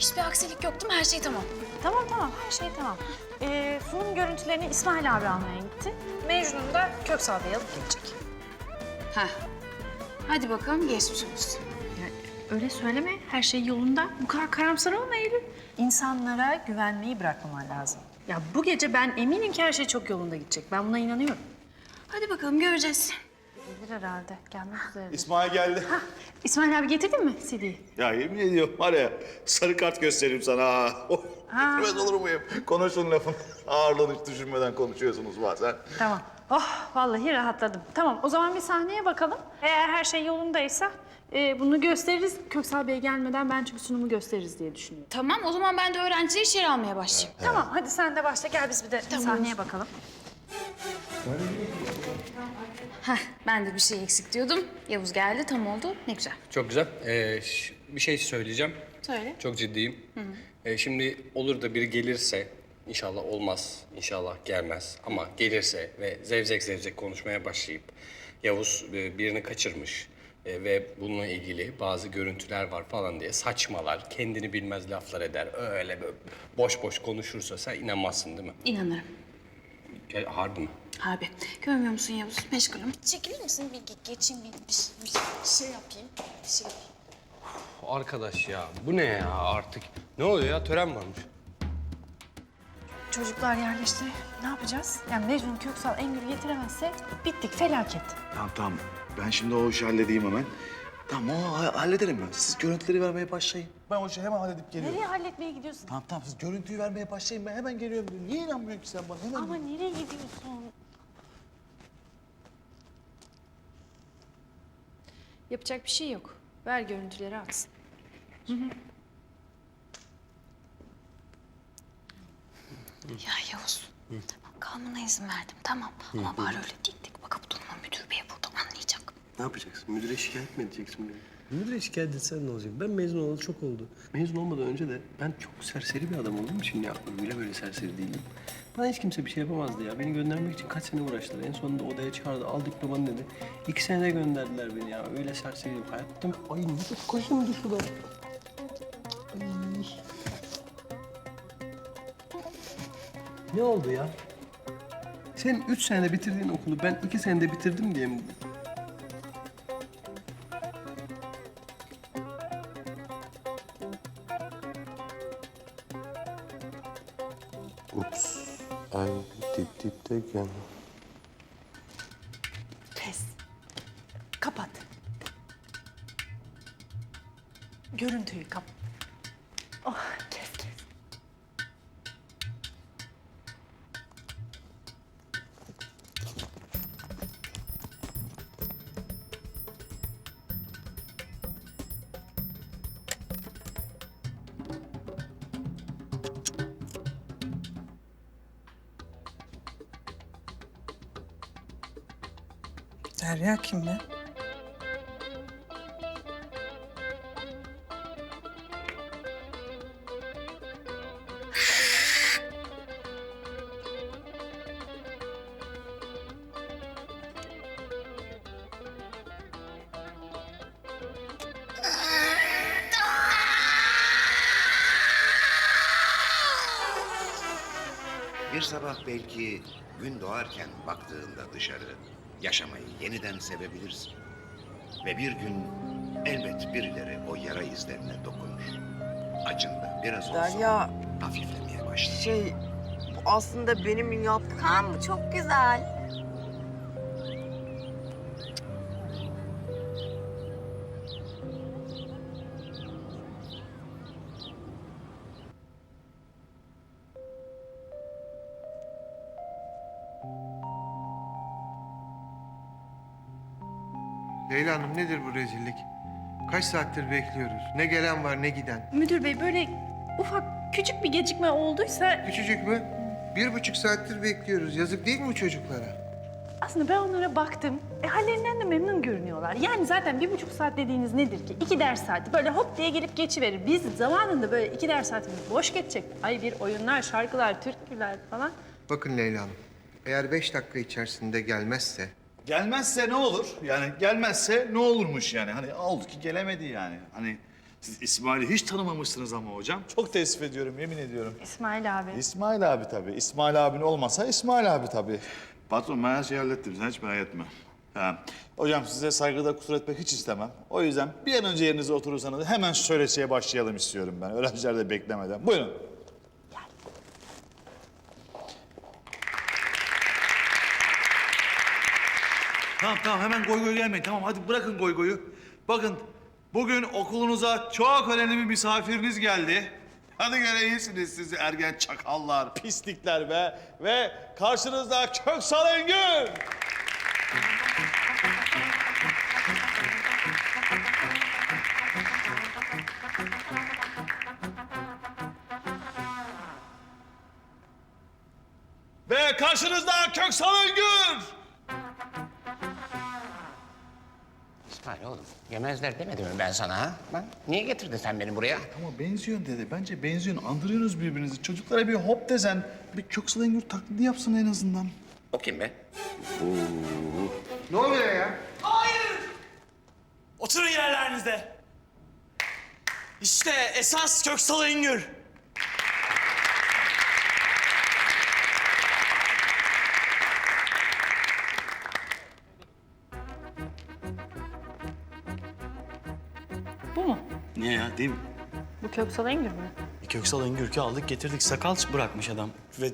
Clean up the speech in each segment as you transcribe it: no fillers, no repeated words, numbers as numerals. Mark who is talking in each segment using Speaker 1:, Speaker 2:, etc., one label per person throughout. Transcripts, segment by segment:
Speaker 1: Hiçbir aksilik yok değil mi? Her şey tamam.
Speaker 2: Tamam, her şey tamam. Sunum görüntülerini İsmail abi almaya gitti. Mecnun da Köksal Bey'i alıp gelecek.
Speaker 1: Heh. Hadi bakalım geçmiş olsun.
Speaker 2: Öyle söyleme, her şey yolunda. Bu kadar karamsar olma Eylül. İnsanlara güvenmeyi bırakmaman lazım. Ya bu gece ben eminim ki her şey çok yolunda gidecek. Ben buna inanıyorum.
Speaker 1: Hadi bakalım göreceğiz.
Speaker 2: Gelir herhalde, gelmek üzere.
Speaker 3: İsmail geldi.
Speaker 2: İsmail abi getirdin mi CD'yi?
Speaker 3: Ya yemin ediyorum var ya sarı kart gösteririm sana ha. Bilmez olur muyum? Konuşun lafın ağırlığını hiç düşünmeden konuşuyorsunuz bazen.
Speaker 2: Tamam. Oh, vallahi rahatladım. Tamam, o zaman bir sahneye bakalım. Eğer her şey yolundaysa bunu gösteririz. Köksal Bey gelmeden ben çünkü sunumu gösteririz diye düşünüyorum.
Speaker 1: Tamam o zaman ben de öğrencileri içeri almaya başlayayım.
Speaker 2: Tamam, hadi sen de başla. Gel biz bir de sahneye bakalım.
Speaker 1: Heh, ben de bir şey eksik diyordum. Yavuz geldi, tam oldu. Ne güzel.
Speaker 4: Çok güzel. Bir şey söyleyeceğim.
Speaker 1: Söyle.
Speaker 4: Çok ciddiyim. Şimdi olur da biri gelirse, inşallah olmaz, inşallah gelmez. Ama gelirse ve zevzek zevzek konuşmaya başlayıp Yavuz birini kaçırmış ve bununla ilgili bazı görüntüler var falan diye saçmalar, kendini bilmez laflar eder. Öyle böyle boş boş konuşursa sen inanmazsın değil mi?
Speaker 1: İnanırım.
Speaker 4: Harbi mi?
Speaker 1: Harbi. Görmüyor musun Yavuz? Meşgulüm. Çekilir misin? Bir geçeyim, bir şey yapayım. Bir şey yapayım.
Speaker 4: Arkadaş ya, bu ne ya artık? Ne oluyor ya? Tören varmış.
Speaker 2: Çocuklar yerleşti. Ne yapacağız? Yani Mecnun Köksal Engür'ü getiremezse bittik, felaket.
Speaker 3: Tamam. Ben şimdi o işi halledeyim hemen. Tamam o hallederim ben. Siz görüntüleri vermeye başlayın. Ben o işi hemen halledip geliyorum.
Speaker 2: Nereye halletmeye gidiyorsun?
Speaker 3: Tamam siz görüntüyü vermeye başlayın. Ben hemen geliyorum. Niye inanmıyorsun ki sen bana? Hemen
Speaker 2: Ama nereye gidiyorsun?
Speaker 5: Yapacak bir şey yok. Ver görüntüleri aksın.
Speaker 1: Ya Yavuz, tamam kalmana izin verdim tamam. Ama bari öyle dik bakıp durma. Müdür bey burada anlayacak.
Speaker 6: Ne yapacaksın? Müdüre şikayet mi edeceksin beni? Müdüre şikayet etsen ne olacak? Ben mezun olalı çok oldu. Mezun olmadan önce de ben çok serseri bir adam olduğum için ya öyle böyle serseri değilim. Bana hiç kimse bir şey yapamazdı ya. Beni göndermek için kaç sene uğraştılar. En sonunda odaya çağırdı. Al diplomanı dedi. 2 senede gönderdiler beni ya. Öyle serseriydim. Hayatım. Ay ne çok kaşındı şurada. Ay. Ne oldu ya? Sen 3 senede bitirdiğin okulu ben 2 senede bitirdim diye mi? Ups. Ay dipteyken.
Speaker 2: Kes. Kapat. Görüntüyü kapat. Oh, kes.
Speaker 7: Derya kimle?
Speaker 8: Bir sabah belki gün doğarken baktığında dışarı yaşamayı yeniden sevebilirsin. Ve bir gün elbet birileri o yara izlerine dokunur. Acında biraz olsa
Speaker 7: Derya,
Speaker 8: hafiflemeye başlar.
Speaker 7: bu aslında benim yaptığım...
Speaker 9: Kaan bu çok güzel.
Speaker 10: Leyla Hanım nedir bu rezillik? Kaç saattir bekliyoruz. Ne gelen var ne giden.
Speaker 2: Müdür bey böyle ufak küçük bir gecikme olduysa
Speaker 10: Küçücük mü? 1,5 saattir bekliyoruz. Yazık değil mi bu çocuklara?
Speaker 2: aslında ben onlara baktım. Hallerinden de memnun görünüyorlar. Yani zaten 1,5 saat dediğiniz nedir ki? 2 ders saati. Böyle hop diye gelip geçiverir. Biz zamanında böyle 2 ders saatimiz boş geçecek. Ay bir oyunlar, şarkılar, türküler falan.
Speaker 10: Bakın Leyla Hanım, eğer 5 dakika içerisinde gelmezse...
Speaker 3: Gelmezse ne olur? Yani gelmezse ne olurmuş yani? Hani oldu ki gelemedi yani. Hani Siz İsmail'i hiç tanımamışsınız ama hocam. Çok teessüf ediyorum, yemin ediyorum.
Speaker 2: İsmail abi.
Speaker 3: İsmail abi tabii. İsmail abin olmasa İsmail abi tabii. Patron ben her şeyi hallettim. Sen hiç merak etme. Ha. Hocam size saygıda kusur etmek hiç istemem. O yüzden bir an önce yerinize oturursanız hemen şu söyleşiye başlayalım istiyorum ben. Öğrenciler de beklemeden. Buyurun. Tamam hemen goy goy gelmeyin. Tamam hadi bırakın goy goyu. Bakın bugün okulunuza çok önemli bir misafiriniz geldi. Hadi gene iyisiniz siz ergen çakallar, pislikler be. Ve karşınızda Köksal Engin. Ve karşınızda Köksal Engin.
Speaker 8: İsmail oğlum, yemezler demedim mi ben sana ha? Niye getirdin sen beni buraya?
Speaker 3: Ama benziyorsun dede. Bence benziyorsun. Andırıyorsunuz birbirinizi. Çocuklara bir hop desen, bir Köksal Engin taklidi yapsın en azından.
Speaker 8: O kim be?
Speaker 10: Ne oluyor ya?
Speaker 11: Oturun yerlerinizde. İşte esas Köksal Engin.
Speaker 2: Bu mu?
Speaker 11: Ne ya değil mi?
Speaker 2: Bu Köksal Engin mi?
Speaker 11: Köksal Engürk'ü aldık getirdik. Sakal bırakmış adam. Ve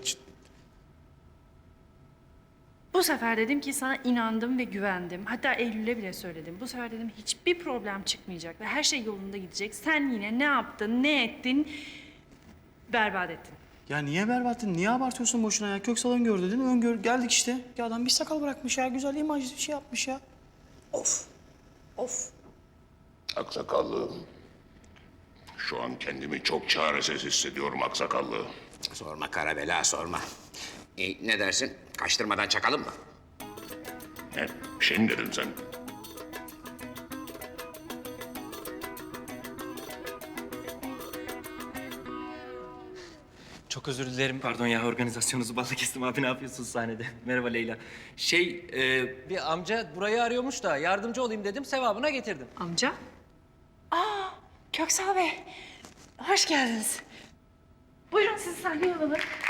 Speaker 2: Bu sefer dedim ki sana inandım ve güvendim. Hatta Eylül'e bile söyledim. Bu sefer dedim hiçbir problem çıkmayacak ve her şey yolunda gidecek. Sen yine ne yaptın, ne ettin? Berbat ettin.
Speaker 11: ya niye berbattın? Niye abartıyorsun boşuna ya? Köksal Öngör dedin. Öngör geldik işte. Ya adam bir sakal bırakmış ya. Güzel imajlı bir şey yapmış ya. Of. Of.
Speaker 8: Aksakallı. Şu an kendimi çok çaresiz hissediyorum aksakallı. Sorma Karabela, sorma. Ne dersin? Kaçtırmadan çakalım mı? Ne? Bir şey mi dedin sen?
Speaker 12: Çok özür dilerim. Pardon ya organizasyonunuzu balla kestim abi. Ne yapıyorsunuz sahnede? Merhaba Leyla. Bir amca burayı arıyormuş da yardımcı olayım dedim. Sevabına getirdim.
Speaker 2: Amca? Köksal Bey, hoş geldiniz. Buyurun sizi sahneye alalım.